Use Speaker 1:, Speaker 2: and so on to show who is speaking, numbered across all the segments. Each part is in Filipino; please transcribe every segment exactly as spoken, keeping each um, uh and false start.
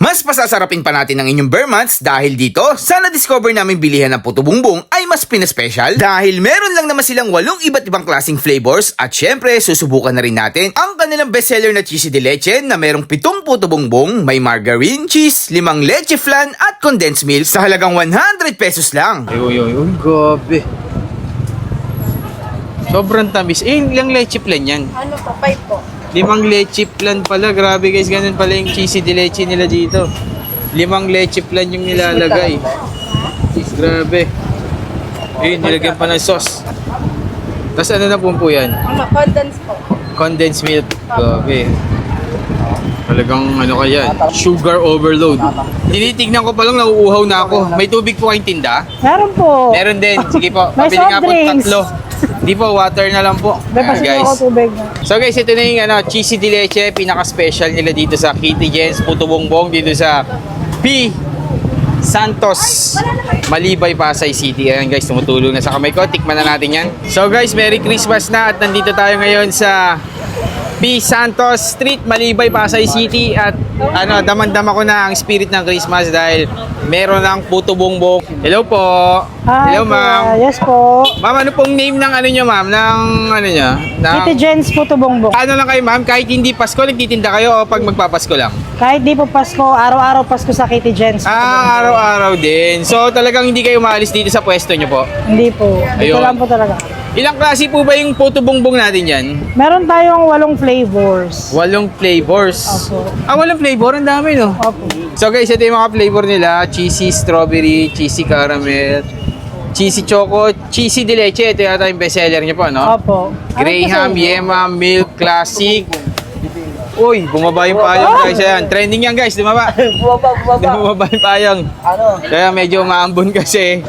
Speaker 1: Mas pasasarapin pa natin ang inyong bare months dahil dito, sana discover namin bilihan ng puto bumbong ay mas pinaspecial dahil meron lang naman silang walong iba't ibang klaseng flavors at syempre susubukan na rin natin ang kanilang bestseller na cheesy de leche na merong pitong puto bumbong, may margarine, cheese, limang leche flan at condensed milk sa halagang one hundred pesos lang.
Speaker 2: Uy, uy, uy, gabi. Sobrang tamis. Eh, ilang leche flan yan?
Speaker 3: Ano po? Five po.
Speaker 2: Limang leche flan pala. Grabe guys, ganun pala yung cheesy de leche nila dito. Limang leche flan yung nilalagay. Grabe. Eh, nilagyan pa ng sauce. Tapos ano na po po yan?
Speaker 3: Ano? Condense po.
Speaker 2: Condensed milk. Grabe. Talagang ano kaya, sugar overload. Tinitignan ko pa lang, nauuhaw na ako. May tubig po kayong tinda?
Speaker 4: Meron po.
Speaker 2: Meron din. Sige po,
Speaker 4: May
Speaker 2: pabili nga
Speaker 4: soft
Speaker 2: po
Speaker 4: drinks.
Speaker 2: tatlo. Di po, water na lang po.
Speaker 4: May
Speaker 2: Ayan,
Speaker 4: pasin
Speaker 2: guys.
Speaker 4: ako tubig.
Speaker 2: So guys, ito na yung ano, cheesy de leche, pinaka-special nila dito sa Kitty Jen's Puto Bongbong dito sa P. Santos, Malibay, Pasay City. Ayan guys, tumutulong na sa kamay ko. Tikman na natin yan. So guys, Merry Christmas na at nandito tayo ngayon sa P. Santos Street, Malibay, Pasay City. At ano, daman-dama ko na ang spirit ng Christmas dahil meron ng Puto Bongbong. Hello po.
Speaker 4: Hi,
Speaker 2: Hello ma'am.
Speaker 4: kuya. Yes po.
Speaker 2: Ma'am, ano pong name ng ano nyo ma'am? Ng ano nyo? Ng...
Speaker 4: Kitty Jen's Puto Bongbong.
Speaker 2: Ano lang kayo ma'am? Kahit hindi Pasko, nagtitinda kayo o pag magpapasko lang?
Speaker 4: Kahit di po Pasko, araw-araw Pasko sa Kitty Jen's. Puto
Speaker 2: Ah, araw-araw din. So talagang hindi kayo maalis dito sa pwesto nyo po?
Speaker 4: Bongbong. Hindi po. Dito
Speaker 2: Ayun.
Speaker 4: lang po talaga.
Speaker 2: Ilang klase po ba yung puto bongbong natin yan?
Speaker 4: Meron tayong walong flavors.
Speaker 2: Walong flavors.
Speaker 4: Opo.
Speaker 2: Ah, walang flavor? Ang dami no?
Speaker 4: Opo.
Speaker 2: So guys, ito yung mga flavor nila. Cheesy strawberry, cheesy caramel, cheesy choco, cheesy de leche. Ito yata yung bestseller nyo po, no?
Speaker 4: Opo.
Speaker 2: Graham,
Speaker 4: Ano po sa inyo?
Speaker 2: Yema, Milk, Classic. Uy, bumaba yung payong guys. Ayan. Trending yan guys, dumaba.
Speaker 3: Bumaba, bumaba.
Speaker 2: Bumaba yung payong.
Speaker 3: Ano?
Speaker 2: Kaya medyo maambon kasi.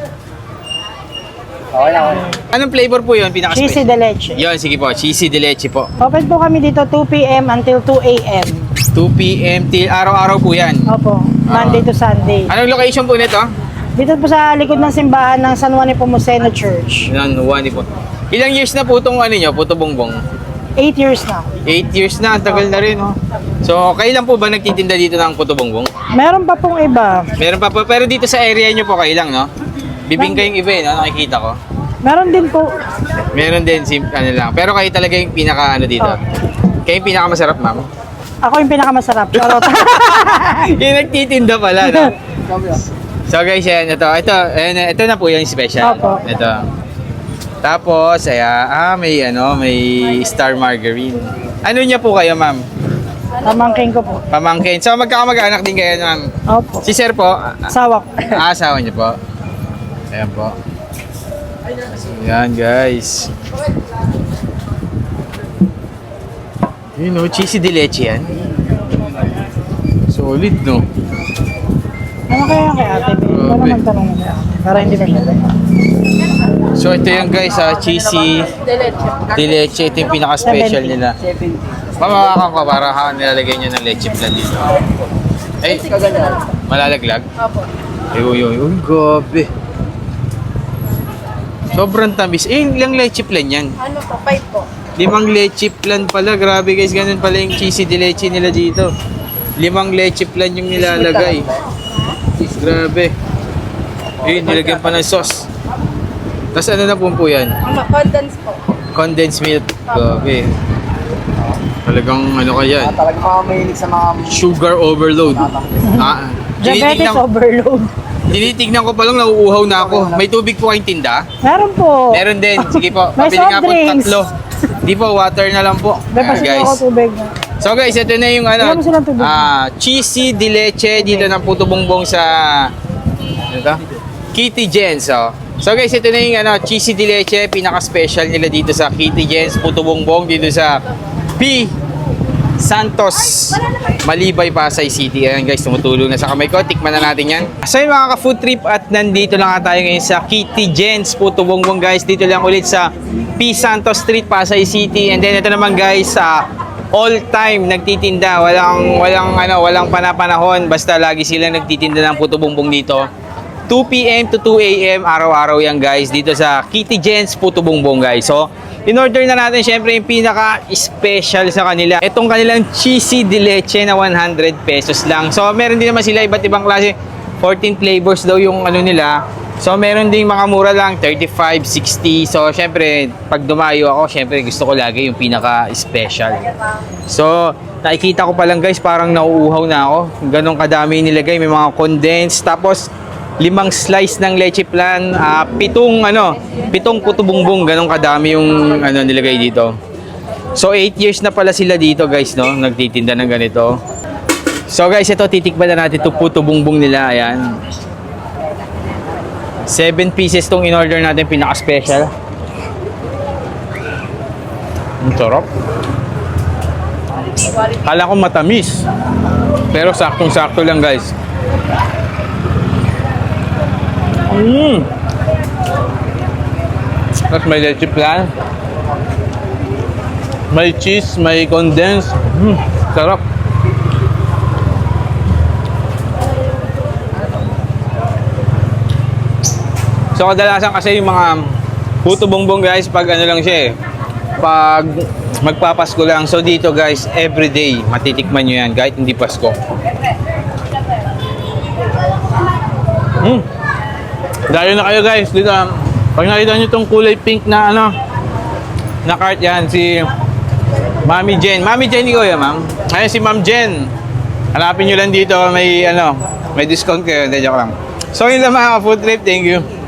Speaker 3: Okay lang.
Speaker 2: Anong flavor po yun?
Speaker 4: Cheesy
Speaker 2: Pinaka-special?
Speaker 4: de leche.
Speaker 2: Yun, sige po. Cheesy de leche po.
Speaker 4: Open po kami dito two p m until two a m
Speaker 2: two p m till araw-araw po yan.
Speaker 4: Opo. Monday to Sunday.
Speaker 2: Anong location po nito?
Speaker 4: Dito po sa likod ng simbahan ng San Juan Nepomuceno Church.
Speaker 2: Yan, one po. Ilang years na po itong ano nyo, Puto Bongbong?
Speaker 4: Eight years na.
Speaker 2: Eight years na, ang tagal na rin. Oh. So, kailan po ba nagtitinda dito ng Puto Bongbong?
Speaker 4: Meron pa pong iba.
Speaker 2: Meron pa po, pero dito sa area nyo po kailang, no? Bibingka yung iba, eh, no? Nakikita ko.
Speaker 4: Meron din po.
Speaker 2: Meron din, sim, ano lang. Pero kayo talaga yung pinaka, ano dito.
Speaker 4: Oh.
Speaker 2: Kayo yung pinaka masarap, ma'am.
Speaker 4: Ako yung pinakamasarap. Charot.
Speaker 2: Yung nagtitinda pala, no? So guys, yan, ito, ito, ayan, ito na po yung special.
Speaker 4: Opo.
Speaker 2: Ito. Tapos, ayan, ah, may, ano, may star margarine. Ano niya po kayo, ma'am?
Speaker 4: Pamangking ko po.
Speaker 2: Pamangkin. So, magkakamag-anak din kayo, ma'am.
Speaker 4: Opo.
Speaker 2: Si sir po, ah,
Speaker 4: Sawak.
Speaker 2: ah, asawa niyo po. Ayan po. Ayan, guys. Yun, no, cheesy de leche yan. Solid, no?
Speaker 4: Ano kaya kay ate? Ito
Speaker 2: Grabe.
Speaker 4: naman tanong mo kay ate. Para hindi ba siya
Speaker 2: So, ito yung guys, ah, cheesy
Speaker 3: Diretso.
Speaker 2: de leche. Ito yung pinaka-special
Speaker 4: seventy.
Speaker 2: nila.
Speaker 3: seventy.
Speaker 2: Pamawakan ko para ha, nilalagay nyo ng leche plan dito. Ay,
Speaker 3: Kaganyan.
Speaker 2: malalaglag?
Speaker 3: Opo.
Speaker 2: Ay, uy, uy, uy, gabi. Sobrang tamis. Eh, ilang leche plan yan?
Speaker 3: Ano po? Five po.
Speaker 2: Limang leche plan pala. Grabe guys, ganun pala yung cheesy de leche nila dito. Limang leche plan yung nilalagay. Grabe. Eh, nilagyan pa ng sauce. Tapos ano na po po yan?
Speaker 3: Ano? Condense po.
Speaker 2: Condensed milk. Grabe. Talagang ano kaya,
Speaker 3: Talagang mga mahilig sa mga...
Speaker 2: sugar overload. Ah,
Speaker 4: Diabetes
Speaker 2: tinitignan,
Speaker 4: overload.
Speaker 2: tinitignan ko pa lang, nauuhaw na ako. May tubig po kayong tinda?
Speaker 4: Meron po.
Speaker 2: Meron din. Sige po,
Speaker 4: May
Speaker 2: pabili
Speaker 4: soft
Speaker 2: nga po
Speaker 4: drinks.
Speaker 2: tatlo. Di po, water na lang po.
Speaker 4: May
Speaker 2: Ayan,
Speaker 4: pasin
Speaker 2: guys.
Speaker 4: ako tubig.
Speaker 2: So guys, ito na yung ano,
Speaker 4: Bigyan mo silang tubig.
Speaker 2: ah, cheesy de leche dito ng Puto Bongbong sa ano to? Kitty Jen's. Oh. So guys, ito na yung ano, cheesy de leche, pinaka-special nila dito sa Kitty Jen's Puto Bongbong dito sa P. Santos, Malibay, Pasay City. Ayan guys, tumutulong na sa kamay ko. Tikman na natin yan. So yung mga ka-food trip at nandito lang nga tayo ngayon sa Kitty Jen's Puto Bongbong guys. Dito lang ulit sa P. Santos Street, Pasay City. And then ito naman guys, sa all time nagtitinda. Walang, walang, ano, walang panapanahon. Basta lagi sila nagtitinda ng Puto Bongbong dito. two p m to two a m araw-araw yan guys dito sa Kitty Jen's Puto Bongbong guys. So in-order na natin syempre yung pinaka-special sa kanila. Itong kanilang cheesy de leche na one hundred pesos lang. So, meron din naman sila iba't ibang klase. fourteen flavors daw yung ano nila. So, meron din mga mura lang, thirty-five, sixty. So, syempre, pag dumayo ako, syempre gusto ko lagi yung pinaka-special. So, nakikita ko pa lang guys, parang nauuhaw na ako. Ganong kadami nilagay, may mga condensed. Tapos, limang slice ng leche plan, ah, pitong ano, pitong puto bumbong, ganong kadami yung ano nilagay dito. So eight years na pala sila dito guys, no, nagtitinda ng ganito. So guys, ito titikman na natin itong puto bumbong nila, ayan. seven pieces tong in-order natin, pinaka-special. Ang sarap. Kala ko matamis, pero saktong-sakto lang guys. Mm. Tapos may leche plan, may cheese, may condensed. Mm. Sarap. So kadalasan kasi yung mga puto bongbong guys, pag ano lang siya eh, pag magpapasko lang. So dito guys, everyday matitikman nyo yan kahit hindi Pasko. Mm. Dayo na kayo guys dito. Pag nakita nyo itong kulay pink na ano na cart, yan si Mami Jen. Mami Jen ko yan, ma'am. Ayun si Ma'am Jen. Hanapin nyo lang dito, may ano, may discount kayo. Hindi, joke lang. So yun lang mga food trip. Thank you.